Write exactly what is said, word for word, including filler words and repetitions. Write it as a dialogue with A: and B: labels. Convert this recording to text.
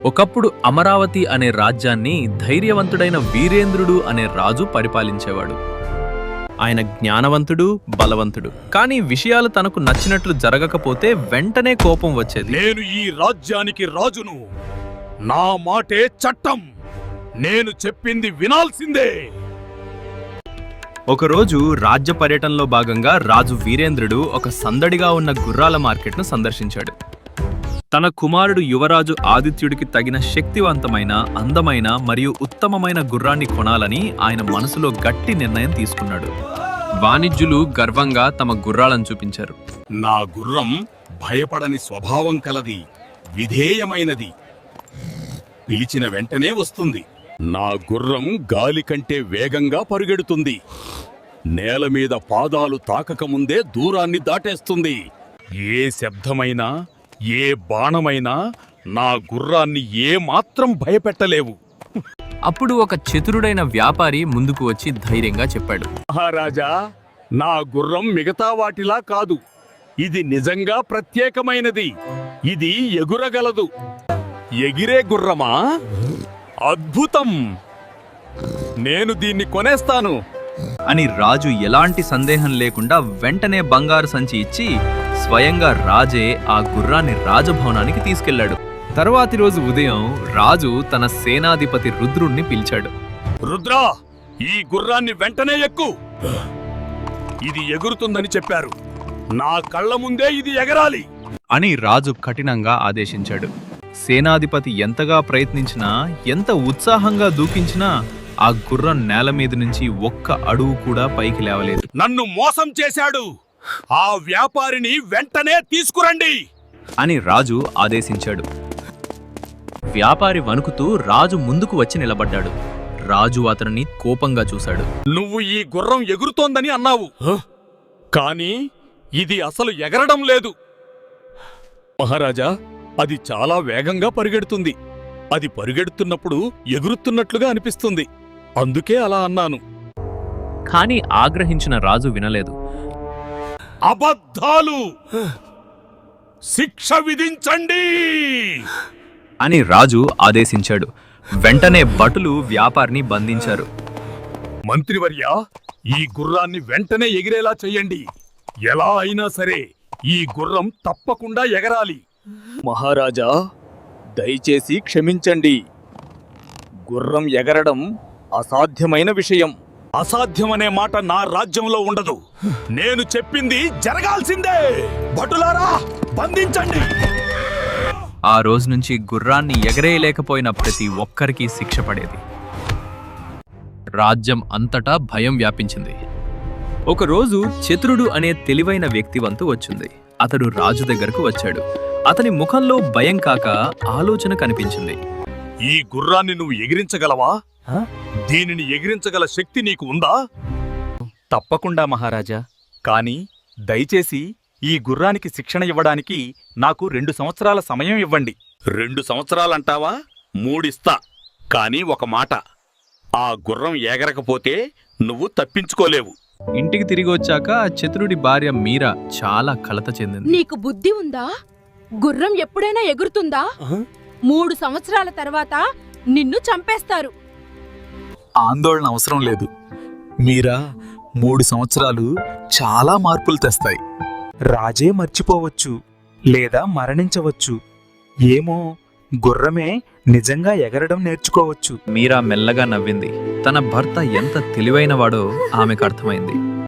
A: ఒకప్పుడు అమరావతి అనే రాజ్యాన్ని ధైర్యవంతుడైన వీరేంద్రుడు అనే రాజు పరిపాలించేవాడు. ఆయన జ్ఞానవంతుడు, బలవంతుడు. కానీ విషయాలు తనకు నచ్చినట్లు జరగకపోతే వెంటనే కోపం వచ్చేది.
B: నేను ఈ రాజ్యానికి రాజును, నా మాటే చట్టం, నేను చెప్పింది వినాల్సిందే.
A: ఒకరోజు రాజ్య పర్యటనలో భాగంగా రాజు వీరేంద్రుడు ఒక సందడిగా ఉన్న గుర్రాల మార్కెట్ను సందర్శించాడు. తన కుమారుడు యువరాజు ఆదిత్యుడికి తగిన శక్తివంతమైన, అందమైన మరియు ఉత్తమమైన గుర్రాన్ని కొనాలని ఆయన మనసులో గట్టి నిర్ణయం తీసుకున్నాడు. వాణిజ్యులు గర్వంగా తమ గుర్రాలను చూపించారు.
B: నా గుర్రం భయపడని స్వభావం కలది, విధేయమైనది, పిలిచిన వెంటనే వస్తుంది. నా గుర్రం గాలి కంటే వేగంగా పరుగెడుతుంది, నేల మీద పాదాలు తాకకముందే దూరాన్ని దాటేస్తుంది. ఏ శబ్దమైనా, ఏ బాణమైనా నా గుర్రాన్ని ఏ మాత్రం భయపెట్టలేవు.
A: అప్పుడు ఒక చతురుడైన వ్యాపారి ముందుకు వచ్చి ధైర్యంగా చెప్పాడు,
B: మహారాజా, నా గుర్రం మిగతా వాటిలా కాదు, ఇది నిజంగా ప్రత్యేకమైనది. ఇది ఎగురగలదు. ఎగిరే గుర్రమా? అద్భుతం! నేను దీన్ని కొనేస్తాను
A: అని రాజు ఎలాంటి సందేహం లేకుండా వెంటనే బంగారు సంచి ఇచ్చి స్వయంగా రాజే ఆ గుర్రాన్ని రాజభవనానికి తీసుకెళ్లాడు. తరువాతి రోజు ఉదయం రాజు తన సేనాధిపతి రుద్రుణ్ణి పిలిచాడు.
B: రుద్రా, ఈ గుర్రాన్ని వెంటనే ఎక్కు. ఇది ఎగురుతుందని చెప్పారు, నా కళ్ళ ముందే ఇది ఎగరాలి
A: అని రాజు కఠినంగా ఆదేశించాడు. సేనాధిపతి ఎంతగా ప్రయత్నించినా, ఎంత ఉత్సాహంగా దూకించినా ఆ గుర్రం నేల మీద నుంచి ఒక్క అడుగు కూడా పైకి లేవలేదు.
B: నన్ను మోసం చేశాడు, ఆ వ్యాపారిని వెంటనే తీసుకురండి
A: అని రాజు ఆదేశించాడు. వ్యాపారి వణుకుతూ రాజు ముందుకు వచ్చి నిలబడ్డాడు. రాజు అతనిని కోపంగా చూశాడు.
B: నువ్వు ఈ గుర్రం ఎగురుతోందని అన్నావు, కానీ ఇది అసలు ఎగరడం లేదు. మహారాజా, అది చాలా వేగంగా పరిగెడుతుంది. అది పరిగెడుతున్నప్పుడు ఎగురుతున్నట్లుగా అనిపిస్తుంది, అందుకే అలా అన్నాను.
A: కాని ఆగ్రహించిన రాజు వినలేదు.
B: అబద్ధాలు! శిక్ష విధించండి
A: అని రాజు ఆదేశించాడు. వెంటనే భటులు వ్యాపారిని బంధించారు.
B: మంత్రివర్య, ఈ గుర్రాన్ని వెంటనే ఎగిరేలా చెయ్యండి. ఎలా అయినా సరే ఈ గుర్రం తప్పకుండా ఎగరాలి.
C: మహారాజా, దయచేసి క్షమించండి. గుర్రం ఎగరడం అసాధ్యమైన విషయం.
B: అసాధ్యమనే మాట నా రాజ్యంలో ఉండదు. నేను చెప్పింది జరగాల్సిందే. భటులారా, బంధించండి.
A: ఆ రోజు నుంచి గుర్రాన్ని ఎగరేయలేకపోయిన ప్రతి ఒక్కరికి శిక్ష పడేది. రాజ్యం అంతటా భయం వ్యాపించింది. ఒకరోజు చతురుడు అనే తెలివైన వ్యక్తివంతు వచ్చింది. అతడు రాజు దగ్గరకు వచ్చాడు. అతని ముఖంలో భయం కాక ఆలోచన కనిపించింది.
B: ఈ గుర్రాన్ని నువ్వు ఎగిరించగలవా? దీనిని ఎగిరించగల శక్తి నీకు ఉందా?
C: తప్పకుండా మహారాజా, కానీ దయచేసి ఈ గుర్రానికి శిక్షణ ఇవ్వడానికి నాకు రెండు సంవత్సరాల సమయం ఇవ్వండి.
B: రెండు సంవత్సరాలంటావా? మూడిస్తా. కానీ ఒక మాట, ఆ గుర్రం ఎగరకపోతే నువ్వు తప్పించుకోలేవు.
A: ఇంటికి తిరిగి వచ్చాక చతురుడి భార్య మీరా చాలా కలత చెందింది.
D: నీకు బుద్ధి ఉందా? గుర్రం ఎప్పుడైనా ఎగురుతుందా? మూడు సంవత్సరాల తర్వాత నిన్ను చంపేస్తారు.
E: ఆందోళన అవసరం లేదు మీరా. మూడు సంవత్సరాలు చాలా మార్పులు తెస్తాయి. రాజే మర్చిపోవచ్చు లేదా మరణించవచ్చు. ఏమో, గుర్రమే నిజంగా ఎగరడం నేర్చుకోవచ్చు.
A: మీరా మెల్లగా నవ్వింది. తన భర్త ఎంత తెలివైనవాడో ఆమెకు అర్థమైంది.